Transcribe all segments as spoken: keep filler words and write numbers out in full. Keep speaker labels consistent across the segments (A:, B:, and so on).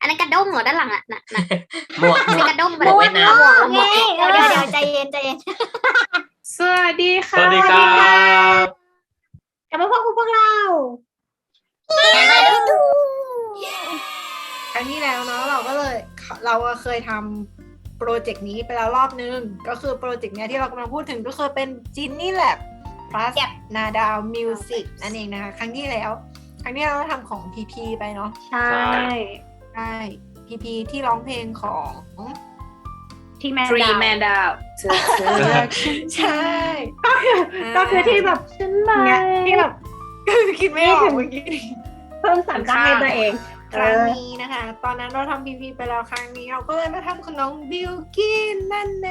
A: นั้นกระด้งเหรอด้านหลังอ่ะน่ะน่ะ
B: หมวกหม
A: ใช่
B: วก
A: กระด้ง
B: หมวกเวียดนาม
A: หมวกเดี๋ยวเดี๋ยวเดี๋ยวใจเย็นใจเย็น
C: สวัสดี
D: ส
C: ค่ะ
D: วัสดีครับ
A: กลับมาพบกับพวกเรา
E: ครั้งที่แล้วเนาะเราก็เลยเราเคยทำโปรเจกต์นี้ไปแล้วรอบนึงก็คือโปรเจกต์เนี้ยที่เรากำลังพูดถึงก็คือเป็นจินนี่แลบ plus นาดาวมิวสิกนั่นเองนะคะครั้งที่แล้ว ครั้งที่เราทำของ พี พี ไปเนาะ
C: ใช่
E: ใช่ พี พี ที่ร้องเพลงของ
A: ที่แม่
C: ทรี
A: ดาว
C: แมนดาวเธอเธอ
E: ใช่
A: ก็คือที่แบบฉันมาที่แบบ
E: คิดไม่ออกเมื่อกี้
A: เพิ่มสามตั้งให้ตัวเอง
E: ครั้งนี้นะคะ ตอนนั้นเราทำ พี พี ไปแล้วครั้งนี้เราก็เลยมาทำของน้องบิลกินนั่นเอง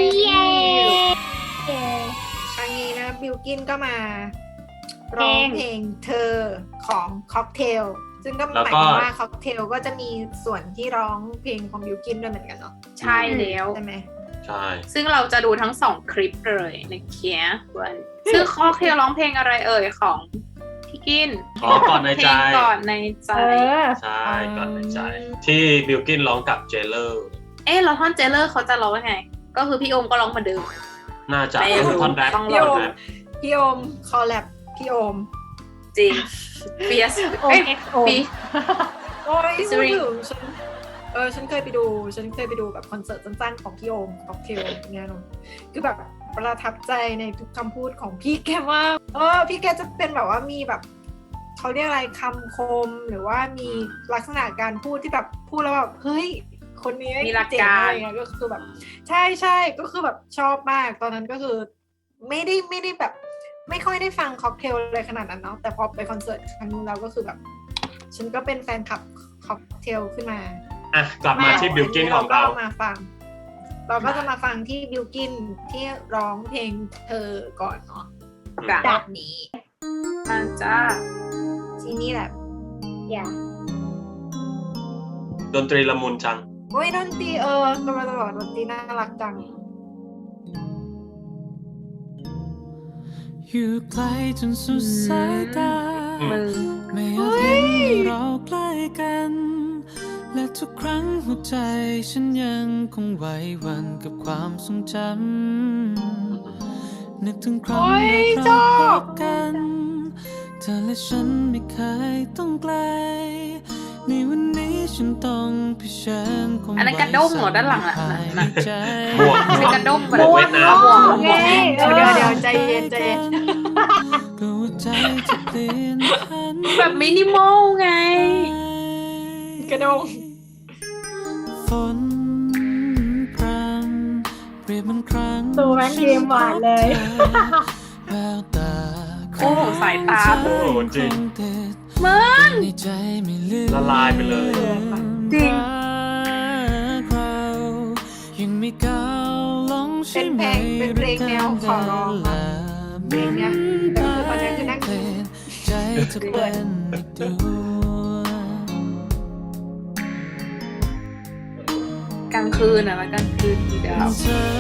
A: เย้
E: ครั้งนี้นะบิลกินก็มาร้องเพลงเธอของค็อกเทลซึ่งก็ห
D: แล้ว
E: มาย
D: ก็
E: ถึงว่าค็อกเทลก็จะมีส่วนที่ร้องเพลงของบิลกินด้วยเหมือนกันเนาะ
C: ใช่แล้ว
E: ใช่ไหม
D: ใช่
C: ซึ่งเราจะดูทั้งสองคลิปเลยนะเคียวันซึ่งข้อเคียวร้องเพลงอะไรเอ่ยของพี่กิน
D: อ๋อก่อนใน
C: เพล
D: ใจ
C: งก่อนในใจ
D: ใช่ก่อนในใจ ที่บิลกินร้องกับเจเลอร์
C: เอ๊ะแล้วท่อนเจเลอร์เขาจะร้องยังไง ก็คือพี่โอมก็ร้องเหมาเดิม
D: น่าจะ
C: ไม่รู้
D: ท่อนแรป
C: ต้องร
E: พี่
C: อ
E: โอ
D: ท่อน
E: ม
D: แรป
E: พี่โอมคอลแลบพี่โอม
C: จริงเบียส
A: โอ
C: เอ้ย
A: เอ็กโอ
C: ปี
E: โอ้ย
C: Sorry
E: พูดถึงฉันเออฉันเคยไปดูฉันเคยไปดูแบบคอนเสิร์ตสั้นๆของพี่โอมค็อกเทลเนี่ยเนาะคือแบบประทับใจในทุกคำพูดของพี่แกมากเออพี่แกจะเป็นแบบว่ามีแบบเขาเรียกอะไรคำคมหรือว่ามีลักษณะการพูดที่แบบพูดแล้วแบบเฮ้ยคนนี้
C: มีหลัก
E: เจ๋ง
C: การ
E: อะไรเงี้ยก็คือแบบใช่ใช่ก็คือแบบชอบมากตอนนั้นก็คือไม่ได้ไม่ได้แบบ ไม่ค่อยได้ฟังค็อกเทลเลยขนาดนั้นเนาะแต่พอไปคอนเสิร์ตครั้งนู้นเราก็คือแบบ ฉันก็เป็นแฟนคลับค็อกเทลขึ้นมา
D: อ่ะกลับมาที่บิลกินของเรา
E: ก็มาฟัง เราก็จะมาฟังที่บิลกินที่ร้องเพลงเธอก่อนเนาะ
C: จ้ะ
E: แบบนี้
C: มาจ้า
E: ทีนี้แหละ
A: อย่า
D: ดนตรีละมุนจัง
E: โอ้ยดนตรีเออกำลังจะบอกดนตรีน่ารักจัง
F: อยู่ไกลจนสุดสายตา
C: มือ
F: ไม่อยากเห็นเราใกล้กัน และทุกครั้งหัวใจฉันยังคงไหวหวั่นกับความทรงจำนึกถึงครั้งแรกเราพบกันเธอและฉันไม่เคยต้องไกลในวันนี้ฉันต้องเผชิญความ
C: อันนั้นกระด้งเหรอด้านหลังอะ
F: ภาย
C: น่ะ
F: ใจ
D: หมวก
C: ใช่กระด้ง
D: หมวกเวียดนาม
C: หมวก
A: ไง
E: เดี๋ยวเดี๋ยวเดี๋ยวใจเย็นใจเย็น
F: กลัวใจจะเปลี่ยนพัน
C: แบบมินิมอลไง
E: กระดง
F: ฝนพรำเปรียบเหมันครั้ง
A: ตัวแม่งเกมหวานเลย
F: แววตา
C: โอ้โหสายตา
D: โอ้โหจริง
C: มึง
F: ในใจไม่ลืม
D: ละลายไปเลย
C: จริง
F: เรายังไม่ก้าวลงใช่ไหม
E: เป็นเพลงเป็นเพลงแนวขอร้องอะเพลงเนี้ยแต่คือตอนนี้คือนั่ง
F: เปลี่ยนใจเธอเป็นอีกดวง
C: กลางคืนอะแล้วกลางคืนทีเดียว
F: เธอ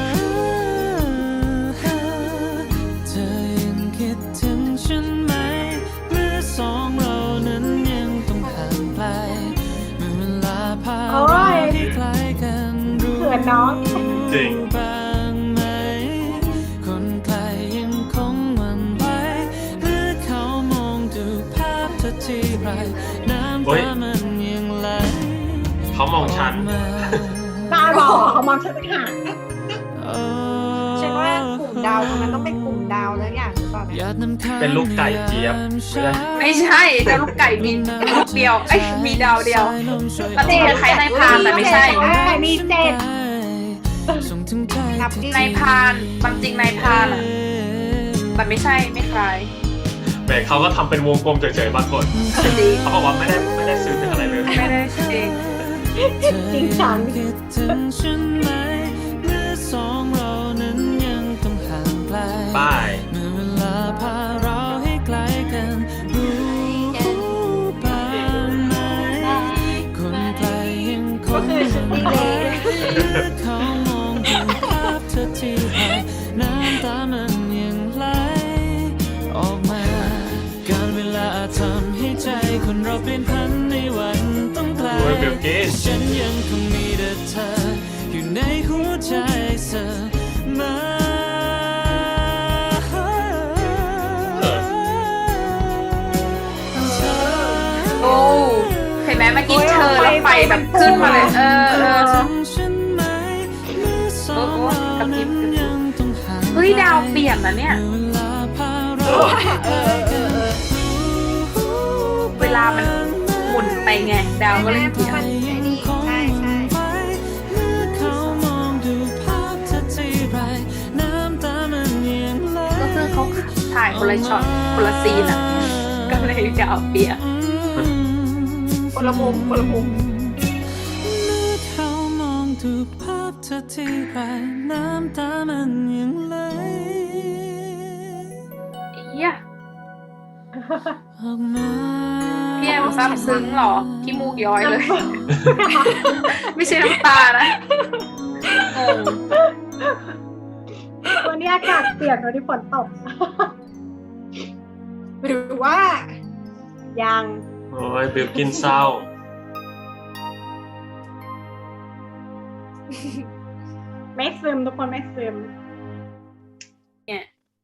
F: เธอยังคิดถึงฉันไหมเมื่อสองเรานั้นยังต้องห่างไกลเมื่อเวลาพา
A: โอ้
F: เรา
A: ย
F: ให้ใกล้กันรู้
A: เขินน้อง
D: จริง
F: บ้างไหมคนไกลยังคงหวั่นไหวหรือเขามองดูภาพเธอที่ไรน้ำ
D: เฮ้ย
F: ตามันยังไหล
D: เขามองฉัน
A: ตาบอกเขามองฉันต่างหาก
E: ฉันว่ากลุ่มดาวตรงนั้นต้องเป็นกลุ่มดาวแล้วอย่างหรือเปล่าเนี่ย
D: เป็นลูกไก่เจี๊ยบ
C: ไม่ใช่เจ้าลูกไก่มีลูกเดียว เอ้ยมีดาวเดียวมันจริงคล้ายๆนายพรานแต่ไม่ใช่
A: แต่มีเจ็ด
E: นับดิ
C: นายพรานความจริงนายพรานอะแต่ไม่ใช่ไม่คล้าย
D: แต่เขาก็ทำเป็นวงกลมเฉยๆบางคน
C: จริง
D: เขาบอกว่าไม่ได้ไม่ได้ซื้อเป็นอะไรเลย
C: ไม่ได้จริง
A: จริงจัง
F: คิดถึงฉันไหมเมื่อสองเรานั้นยังต้องห่างไกล
D: ป้าย
F: เมื่อเวลาพาเราให้ไกลกันรู้บ้างไหมคนไกลยังค
E: ก็
F: ง
E: คือฉันดีเลย
F: เขามองดูภาพเธอที่ไรน้ำตามันยังไหลออกมาการเวลาทำให้ใจคนเราเปลี่ยนพันในวันต้องไกล
D: เฮ้อบิลกิน
F: ฉันยังคงมีแต่เธออยู่ในหัวใจเสมอ
C: โอ้เห็นไหมเมื่อกี้เธอแล้วไฟแบบขึ้นมาเลยเออเออ โอ้โหกระพริบเฮ้ยดาวเปลี่ยนนะเนี่ย เวลามันหมุนไปไง ดาวก็เลยเปลี่ยน
E: ใช่ใช่
C: ก็คือเขาถ่ายคนละช็อตคนละซีนอ่ะ ก็เลยดาวเปลี่ยน
E: คนละมุมคนละมุม
F: เขามองดูภาพเธอที่ไรน้ำตามันยังไหล
C: เฮีย
F: ออกมา
C: พี่แอมซับซึ้งเหรอขี้มูกย้อยเลย ไม่ใช่น้ำตานะงง
A: วันนี้อากาศเปลี่ยนวันนี้ฝนตก
E: หรือว่า
A: ยัง
D: โอ้ยบิลกินเศร้า
A: ไม่ซึมทุกคนไม่ซึม
C: เนี่ย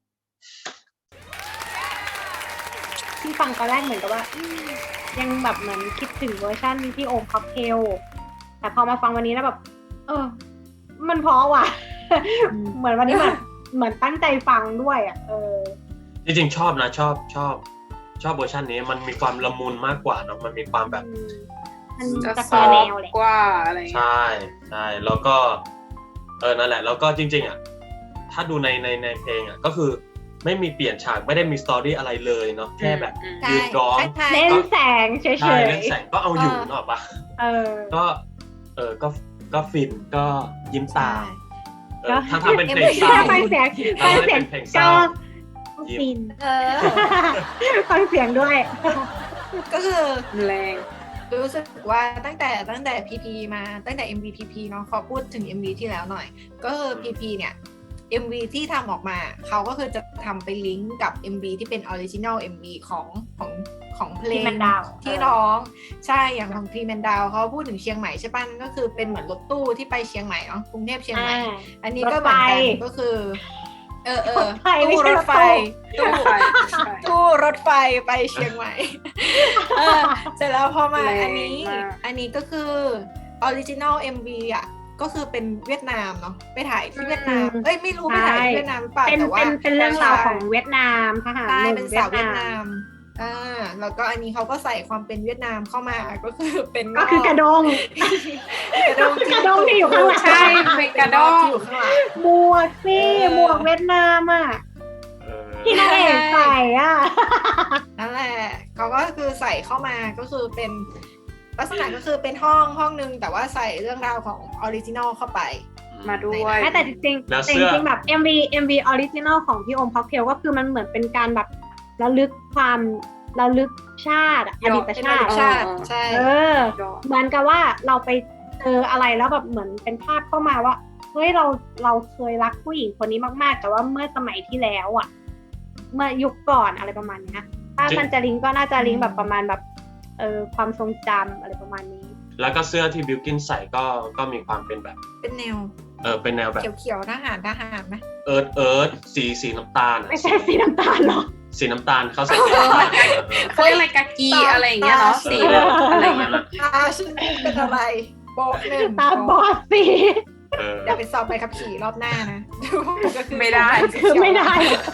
A: ที่ฟังตอนแรกเหมือนกับว่าอืมยังแบบเหมือนคิดถึงเวอร์ชันที่โอมค็อกเทลแต่พอมาฟังวันนี้แล้วแบบ เออ มันเพราะว่ะ เหมือนวันนี้แบบเหมือนตั้งใจฟังด้วยอ่ะเออ
D: จริงๆชอบนะชอบชอบ ชอบเวอร์ชันนี้มันมีความละมุนมากกว่าเนาะมันมีความแบบ
A: อืมมัน
C: จะ
A: จะ
C: ซ
A: ค
C: อ
A: อแน
C: ฟ
A: วแหละ
C: กว่าอะไรอย่างเงี้ย
D: ใช่ใช่แล้วก็เออนั่นแหละแล้วก็จริงๆอ่ะถ้าดูในในในเพลงอ่ะก็คือไม่มีเปลี่ยนฉากไม่ได้มีสตอรี่อะไรเลยเนาะแค่แบบ
C: อืม
E: ใช่
D: ยืนร้อง
E: ใช่
A: เล่นแสงเฉย
D: ใช่เล่นแสงก็เอาอยู่เนอะปะ
A: ๆเออ
D: ก็เออก็ก็ฟินก็ยิ้มตา
E: ใช่
D: เออถ้าทำเป็นเพลงเศร้า
A: ฟังเสียงฟังเสียง
D: เป็นเพลงเศร้า
A: ก็ฟิน
E: เออ
A: ฟังเสียงด้วย
E: ก็คือ
C: แรง
E: รู้สึกว่าตั้งแต่ตั้งแต่ พี พี มาตั้งแต่ เอ็ม วี พี พี เนาะขอพูดถึง เอ็ม วี ที่แล้วหน่อย ก็คือ พี พี เนี่ย เอ็ม วี ที่ทำออกมาเขาก็คือจะทำไปลิงก์กับ เอ็ม วี ที่เป็นออริจินอล เอ็ม วี ของของของเพลง
A: ที่มันดาว
E: ที่ร้องใช่อย่างของพรีแมนดาวเขาพูดถึงเชียงใหม่ใช่ป่ะก็คือเป็นเหมือนรถตู้ที่ไปเชียงใหม่เนาะกรุงเทพเชียงใหม่
A: อ่า
E: อันนี้ก็เหมือนกันก็คือ เออเออ
A: รถไฟไม่
E: ตู้
A: ใช่
E: ร
A: ร
E: ถ
A: ถ
E: ไฟ
A: ตู้
E: ตู้
C: ใช่ใช่
E: ตู้รถไฟไปเชียงใหม่ เออเสร็จแล้วพอมา
C: แรง
E: อันนี้
C: มาก
E: อันนี้ก็คือออริจินอล เอ็ม วี อ่ะ ก็คือเป็นเวียดนามเนาะไปถ่ายที่เวียดนาม
A: อืม
E: เอ้ยไม่รู้ไปถ่ายที่เวียดนามหรือเปล่า
A: เป็น
E: แต่ว่า
A: เป็นเป็นเรื่องราวของเวียดนามทหาร
E: ใช่
A: หนุ่
E: เป็น
A: ม
E: สาว
A: เวี
E: เวี
A: ย
E: ย
A: ด
E: ด
A: นาน
E: าม มอ่าแล้วก็อันนี้เขาก็ใส่ความเป็นเวียดนามเข้ามาก็คือเป็น
A: ก็คือกระดง
E: กระดง
A: กระดงที่อยู่ข้างหลัง
C: ใช่เป็นกระด้ง
E: ที่อยู่ข้างหลัง
A: หมวกสิ
E: เออ
A: หมวกเวียดนามอ่ะ
D: เออ
A: ที่นางเอกใส่อ่ะ
E: นั่นแหละเขาก็คือใส่เข้ามาก็คือเป็นลักษณะก็คือเป็นห้องห้องนึงแต่ว่าใส่เรื่องราวของออริจินอลเข้าไป
C: มาด้วย
A: แม้แต่จริงๆ
D: แล้ว
A: แต่
D: เสื้
A: จ
D: อ
A: ริงๆแบบ เอ็ม วี เอ็ม วี ออริจินอลของพี่โอมค็อกเทลก็คือมันเหมือนเป็นการแบบระลึกความระลึกชาติอะอดีต
E: เป็น
A: ชาติ
E: ชาติใช่
A: เออ เหมือนกับว่าเราไปเจออะไรแล้วแบบเหมือนเป็นภาพเข้ามาว่าเฮ้ยเราเราเคยรักผู้หญิงคนนี้มากๆ แต่ว่าเมื่อสมัยที่แล้วอ่ะ เมื่อยุคก่อนอะไรประมาณเนี้ยถ้า
D: จริง
A: มันจะลิงก์ก็น่าจะลิงก์แบบประมาณแบบเออความทรงจำอะไรประมาณนี้
D: แล้วก็เสื้อที่บิลกินใส่ก็ก็มีความเป็นแบบ
E: เป็นแนว
D: เออเป็นแนวแบบ
E: เขียวๆทหารทหารไหม
D: เอิร์ธเอิร์ธสีสีน้ำตาลอะ
A: ไม่ใช่สีน้ำตาลหรอ
D: สีน้ำตาลเขาใส่สีน้ำตาลเออเออ
C: เขาเรียกอะไรกากีอะไรอย่างเงี้ยเนาะสีแบบอะไรอย่างเงี้ย
E: ตาฉันเป็นอะไรโบะหนึ่ง
A: ตาบอดสี
D: เออ
E: เดี๋ยวไปสอบใบขับขี่รอบหน้านะก็คือ
C: ไม่ได้
A: คือไม่ได้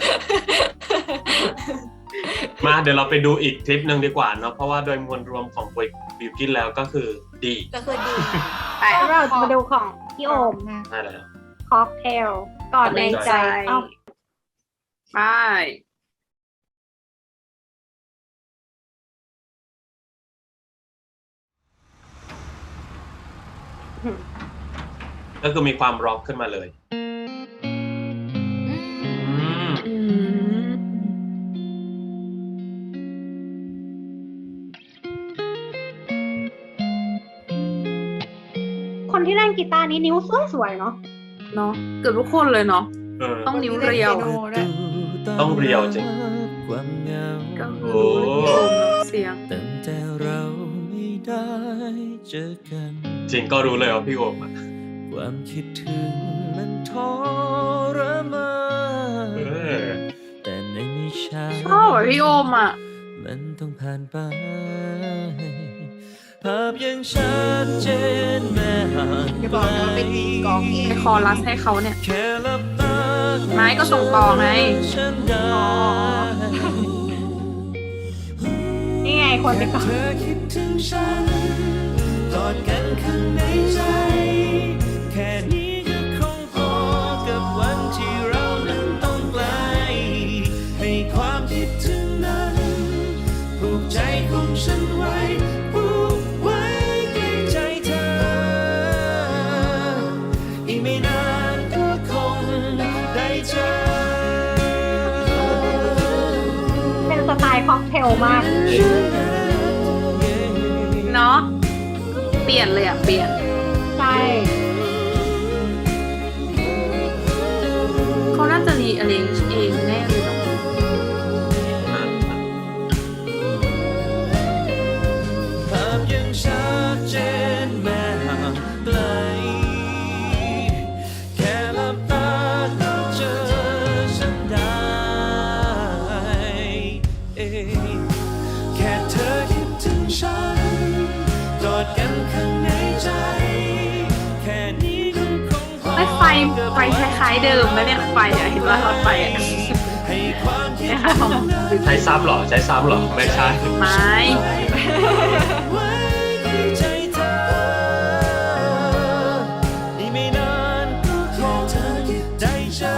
D: มาเดี๋ยวเราไปดูอีกคลิปหนึ่งดีกว่าเนาะเพราะว่าโดยมวลรวมของบิลกินแล้วก็คือดี
E: ก็คือดี
C: ไป
A: เราจะมาดูของพี่โอม
E: นะ
D: นั่นแหละ
A: ค็อกเทลก่อนในใจเอ้า
C: ไป
D: ก็คือมีความร็อกขึ้นมาเลยอืม
C: อืม
A: คนที่เล่นกีตาร์นี้นิ้วสวยๆเนาะ
C: เนาะเกือบทุกคนเลยเนาะ
D: เออ
C: ต้องนิ้วเรียว
E: คนที่เล่นปีโนด้วย
D: ต้องเรียวจริง
F: ความเหงา
C: ก็คือรู้เลยพี่โอมเสียง
F: ตั้งแต่เราไม่ได้เจอกัน
D: จริงก็รู้เลยว่าพี่โอมอะ
F: ความคิดถึงมันทรมาน
D: เออ
F: แต่ในไม่ช้า
C: ชอบอ่ะพี่โอมอ่ะ
F: มันต้องผ่านไปภาพยังชัดเจนแม้ห่าง
E: อย่าบอกนะว่าเป็นกองเอง
C: ไปคอรัสให้เขาเนี่ย
F: แค่หลับตา
C: ไม้ก็ส่งต่อไง
F: ฉันได้
A: นี่ไงคนที่ก่อน
F: เธอคิดถึงฉันกอดกันข้างในใจ แค่นี้ก็คงพอกับวันที่เรานั้นต้องไกล ให้ความคิดถึงนั้นผูกใจของฉันไว้ผูกไว้ใกล้ใจเธอ อีกไม่นานก็คงได้เจอ
A: เป็นสไตล์ค็อกเทลมาก
C: เนาะเปลี่ยนเลยอ่ะ เปลี่ยน
A: ใช่
C: เขาน่าจะรีอ r เ a น g e เองแน่เลยเนาะ
F: ภาพยังชัดเจนแม้ห่างไกล แค่หลับตาก็เจอฉันได้เองแค่เธอคิดถึงฉันกอดกันข้างในใจ แค่นี้ก็คงพอ
C: ไอ้ไฟไฟคล้ายๆเดิมนะเนี่ยไฟอ่ะเห็นว่าหลอดไฟอ่ะ
F: ให้ความคิด
C: คล้ายๆของ
D: ใช้ซ้ำเหรอใช้ซ้ำเหรอไม่ใช่
C: ไม้
F: ไว้ในใจเธอ อีกไม่นานก็คงได้เจอ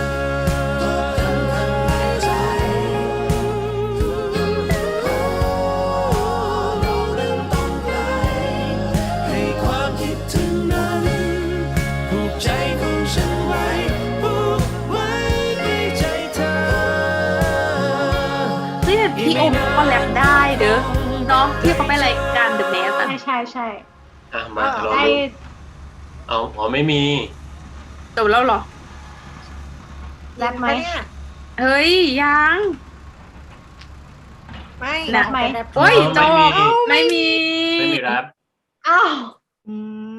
F: ให้ความคิดถึงนั้นผูกใจของฉันไว้ผูกไว้ในใจเธอ
C: เฮ้ยแต่พี่โอมก็แรปได้เด้อเนาะที่เขาไปรายการ The Mask อ่ะ
A: ใช่ใช่ใช่
D: อ่ะมาลอง
A: ได้
D: ดูเอาอ๋อไม่มี
C: จบแล้วเหรอ
A: แรปไหม
E: เนี่ย
C: เฮ้ยยัง
E: ไม่
C: นะ
E: ไม่แรป
C: โอ้ย
D: เออ
C: จบ
D: ไม่มี
C: ไม่มี
D: ไม่มีแรป
A: อ้าว
E: อืม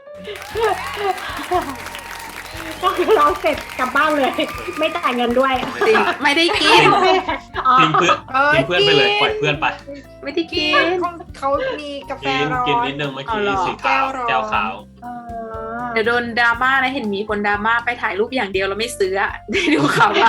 A: ก็คือร้องเสร็จกลับบ้านเลย ไม่จ่ายเงินด้วย
C: จริงไม่ได้กิน
A: อ๋อ
D: ทิ้งเพื่อน
E: เอ้ย
D: ทิ้งเพื่อนไปเลยปล่อยเพื่อนไป
C: ไม่ได้กิ
E: กิน
C: น
E: เขาเขามีกาแฟ
D: กิน
E: ร้อน
D: กินนิดนึงเมื่อกี้
C: เอาเหรอ
D: สีขาว
E: แก้
D: แก้
E: ว
D: ว
E: ร้อน
D: ขาว
A: เออ
C: เดี๋ยวโดนดราม่านะเห็นมีคนดราม่าไปถ่ายรูปอย่างเดียวแล้วไม่ซื้ออะ ได้ดูข่าวว่า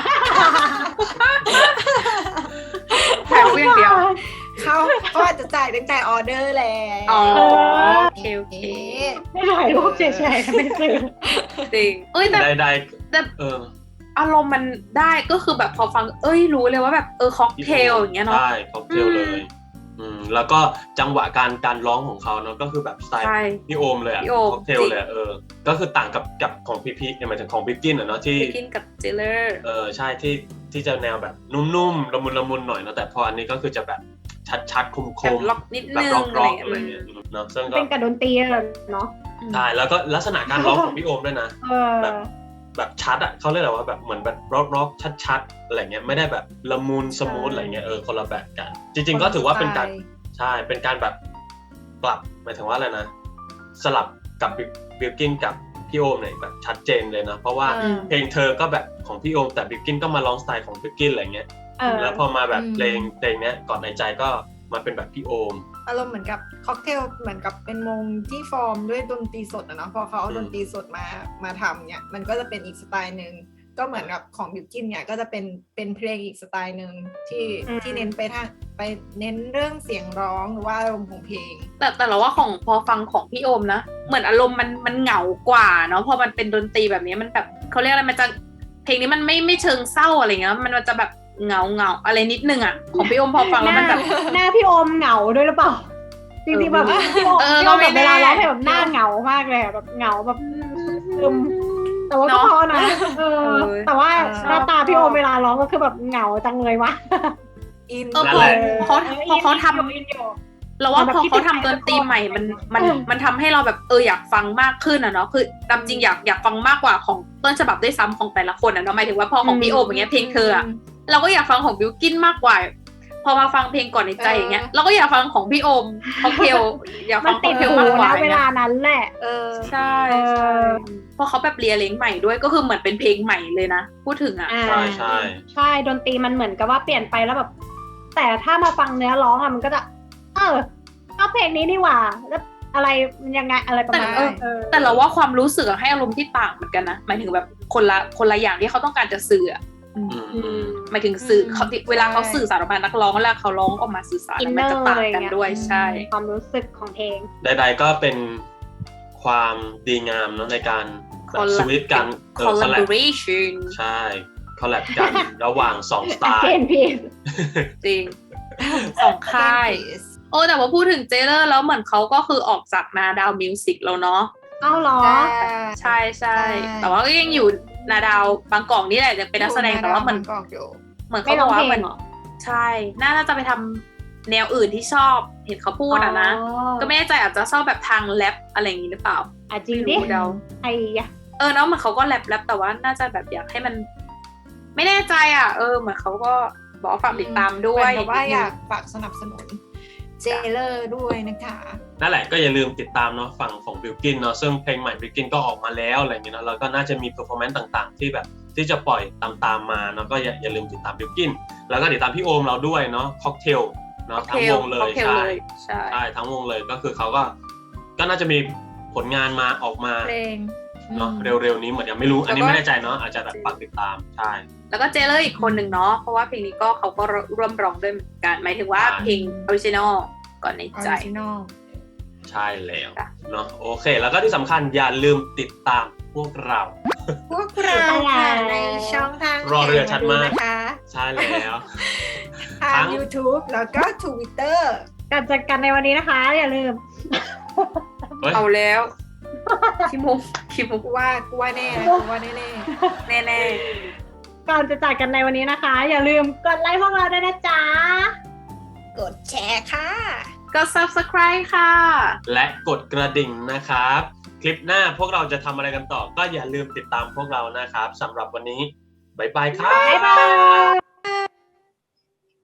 C: ถ่ายรูปอย่างเดียว
E: เขาเขาอาจจะจ่ายตั้งแต่ออเดอร์แล้ว
C: อ๋อโอเคโอเค
E: เอ๊ะ
A: ไม่ถ่ายรูปเฉยๆไม่ซื้อ
C: จริงเอ้ยแต่
D: ได้ได้
C: แต่
D: เออ
C: อารมณ์มันได้ก็คือแบบพอฟังเอ้ยรู้เลยว่าแบบเออค็อกเทลอย่างเงี้ยเนาะ
D: ใช่ค็อกเทลเลย อืมแล้วก็จังหวะการการร้องของเขาเนาะก็คือแบบสไตล์
C: ใช่
D: พี่โอมเลยอะ
C: พี่โอม
D: ค็อกเทลเลยอะเออ ก็คือต่างกับกับของพี่พีหมายถึงของบิ๊กกินอะเนาะที่
C: ไปกินกับเจเลอร์
D: เออใช่ที่ที่จะแนวแบบนุ่มๆละมุนละมุนหน่อยเนาะแต่พออันนี้ก็คือจะแบบชัดๆคม
C: แบบ
D: ๆ
C: ล็อกนิด
D: แบบ
C: นึง
D: ร็อก
C: อะไร
D: ร็อก
C: เงี้ย
D: อะไรเงี้ยเนาะซึ่งก็
A: เป็นกับดนตรีอะเนาะ
C: อืม
D: ใช่แล้วก็ลักษณะการร้องของพี่โอมด้วยนะ
A: เออ
D: แบบ แบบชัดอ่ะเขาเรียกอะไรว่าแบบเหมือนแบบร็อกร็อกชัดๆอะไรเงี้ยไม่ได้แบบละมุนสมูทอะไรเงี้ยเออคนละแบบกัน จริง ๆ ก็ถือว่าเป็นการใช่เป็นการแบบปรับหมายถึงว่าอะไรนะ สลับกับบิลกินกับพี่โอมเนี่ยแบบชัดเจนเลยนะเพราะว่า
C: อืม
D: เพลงเธอก็แบบของพี่โอมแต่บิลกินก็มาร้องสไตล์ของบิลกินอะไรเงี้ย
A: เออ
D: แล้วพอมาแบบ
E: อืม
D: เพลงเพลงเนี้ยก่อนในใจก็มาเป็นแบบพี่โอม
E: อารมณ์เหมือนกับค็อกเทลเหมือนกับเป็นวงที่ฟอร์มด้วยดนตรีสดอะเนาะพอเขาเอา
D: อืม
E: ดนตรีสดมามาทำเนี่ยมันก็จะเป็นอีกสไตล์หนึ่งก็เหมือนกับของบิวกินเนี่ยก็จะเป็นเป็นเพลงอีกสไตล์หนึ่งที่
A: อืม
E: ที่เน้นไปทางไปเน้นเรื่องเสียงร้องหรือว่าอารมณ์ของเพลง
C: แต่แต่เราว่าของพอฟังของพี่โอมนะเหมือนอารมณ์มันมันเหงากว่าเนาะพอมันเป็นดนตรีแบบนี้มันแบบเขาเรียกอะไรมันจะเพลงนี้มันไม่ไม่เชิงเศร้าอะไรเงี้ยมันมันจะแบบเหงาเหงาอะไรนิดนึงอ่ะของพี่โอมพอฟังแล้วมันแบบ
A: หน้าพี่โอมเหงาด้วยหรือเปล่า จริงๆแบบพี่โอม
C: เออ
A: พี่โอม
C: ก็ไม่
A: แบบเวลา
C: แน่
A: ร้องเพลงแบบหน้าเหงามากเลยอะแบบเหงาแบบซึมแต่ว่าก็
C: เนาะ
A: พอนะเออ
C: เออ
A: แต่ว่า
E: เออ
A: หน้าตาพี่โอมเวลาร้องก็คือแบบเหงาจังเลยวะ
E: อิน
C: เออ
D: นั่
C: พ
D: น
C: อ
D: แหละ
C: เขาพอเขาทำ
A: อินอยู่
C: เราว่า
A: แบบ
C: พอ
A: คิด
C: เขา
A: ถึง
C: ทำดนตรีใหม่มันมัน
A: เออ
C: มันทำให้เราแบบเอออยากฟังมากขึ้นอ่ะเนาะคือตามจริงอยากอยากฟังมากกว่าของต้นฉบับด้วยซ้ำของแต่ละคนอ่ะเนาะหมายถึงว่าพอของพี่โอมอย่างเงี้ยเพลงเธออะเราก็อยากฟังของบิวกินมากกว่าพอมาฟังเพลงก่อนในใจ
E: เออ
C: อย่างเงี้ยเราก็อยากฟังของพี่โอมค็อกเทลอยาก
A: มั
C: ฟั
A: น
C: ง
A: ติด
C: ค็
A: หู
C: อกเทลมากกว่า
A: นะเวลานั้นแหละ
E: เออ
C: ใช่
A: เออ
C: ใช่เพราะเขาแบบเรียเลงใหม่ด้วยก็คือเหมือนเป็นเพลงใหม่เลยนะพูดถึงอ่ะ
A: อ่า
D: ใช่ใช่
A: ใช่ดนตรีมันเหมือนกับว่าเปลี่ยนไปแล้วแบบ แต่ถ้ามาฟังเนื้อร้องอะมันก็จะ เออเอาเพลงนี้นี่หว่า แล้วอะไรมันยังไงอะไรประมาณ
E: แต่
A: นั้นเออ
C: แต่เราว่าความรู้สึกอะให้อารมณ์ที่ต่างเหมือนกันนะหมายถึงแบบคนละคนละอย่างที่เขาต้องการจะสื่ออะ
D: อืมอืม
C: หมายถึงสื่อ
E: อืม
C: เขาเวลาเขาสื่อสารออกมานักร้องเวลาเขาร้องออกมาสื่อสาร
A: อิน
C: มัน
A: เนอ
C: จะ
A: ร์
C: ต่าง
A: อะไร
C: กัน
A: เงี้ย
C: ด้วยใช่
A: ความรู้สึกของเพลง
D: ใดๆก็เป็นความดีงามเนาะในการแบบ
C: Collab
D: สวิตช์กันเออคอลแลบ
C: collaboration
D: ใช่คอลแลบกัน ระหว่างสองสไตล์
A: เกนพีส
C: จริงสองค่าย โอ้แต่ว่าพูดถึงเจเลอร์แล้วเหมือนเขาก็คือออกจากนาดาวมิวสิกแล้วเนาะ
A: เอ้าเหรอ
C: ใช่ใช่
E: ใช่
C: แต่ว่าก็ยังอยู่นาดาวบางกอกนี่แหละจะเป็นนักแสดงแต่ว่าเหมือน
E: กอกอยู่
C: เหมือน
A: ไม่
C: เขา
A: ร้
C: บ
A: อ
C: อง กว่า
A: เพ
C: เห
A: ล
C: มือง น
A: เหรอ
C: ใช่ น่าจะไปทำแนวอื่นที่ชอบเห็นเขาพูดอะนะ
A: อ๋อ
C: ก็ไม่แน่ใจอาจจะชอบแบบทางแรปอะไรอย่างนี้หรือเปล่า
A: อ่ะจริงดิ
C: ไม่รู้เดา
A: ไอ้ยะ
C: เออเนาะเหมือนเขาก็แรปแรปแต่ว่าน่าจะแบบอยากให้มัน ไม่แน่ใจอ่ะ เออเหมือนเขาก็บอกว่าฝากติดตามด้วย
E: เหมือนกับว่าอยากฝากสนับสนุนเจเลอร์ด้วยนะคะ
D: นั่นแหละก็อย่าลืมติดตามเนาะฝั่งของบิลกินเนาะซึ่งเพลงใหม่บิลกินก็ออกมาแล้วอะไรอย่างเงี้ยเนาะแล้วก็น่าจะมีเพอร์ฟอร์แมนซ์ต่างๆ ที่แบบที่จะปล่อยตามๆมาเนาะก็อย่าอย่าลืมติดตามบิลกินแล้วก็ติดตามพี่โอมเราด้วยเนาะค็อกเทลเนาะทั้งวงเลย
C: ค็อกท
D: ใช่
C: เลยใช่
D: ใช่ทั้งวงเลยก็คือเขาก็ก็น่าจะมีผลงานมาออกมา
E: เพลง
D: เนาะเร็วๆนี้เหมือนยังไม่รู้อันนี้ไม่แน่ใจเนาะอาจจะแบบฝากติดตามใช่
C: แล้วก็เจเลอร์อีกคนหนึ่งเนาะเพราะว่าเพลงนี้ก็เขาก็ร่วมร้องด้วยเหมือนกันหมายถึงว่า
D: ใช่
C: เพลงออริจินอลก่อนใน
E: ออ
C: ใจ
E: ริจินอล
D: ใช่แล้ว
C: ค่ะ
D: เนาะโอเค แล้วก็ที่สำคัญอย่าลืมติดตามพวกเรา
E: พวกเราค่ะในช่องทาง
D: รอเรือชัดมาก
E: นะคะ
D: ใช่แล้ว
E: ทาง YouTube แล้วก็ Twitter
A: การจัดการในวันนี้นะคะ อย่าลืม
D: เฮ้ย
C: เอาแล้วคิมุกคิมุก
E: กูว่ากูว่าแน่นะกูว่าแน่
C: แน่
A: ก่อนจะจากกันในวันนี้นะคะ อย่าลืมกดไลค์พวกเราด้วยนะจ๊ะ
E: ๆกดแชร์ค่ะ
C: ๆก็ subscribe ค่ะ
D: และกดกระดิ่งนะครับ คลิปหน้าพวกเราจะทำอะไรกันต่อ ก็อย่าลืมติดตามพวกเรานะครับสำหรับวันนี้ บ๊ายบายครับ
A: บ๊ายบาย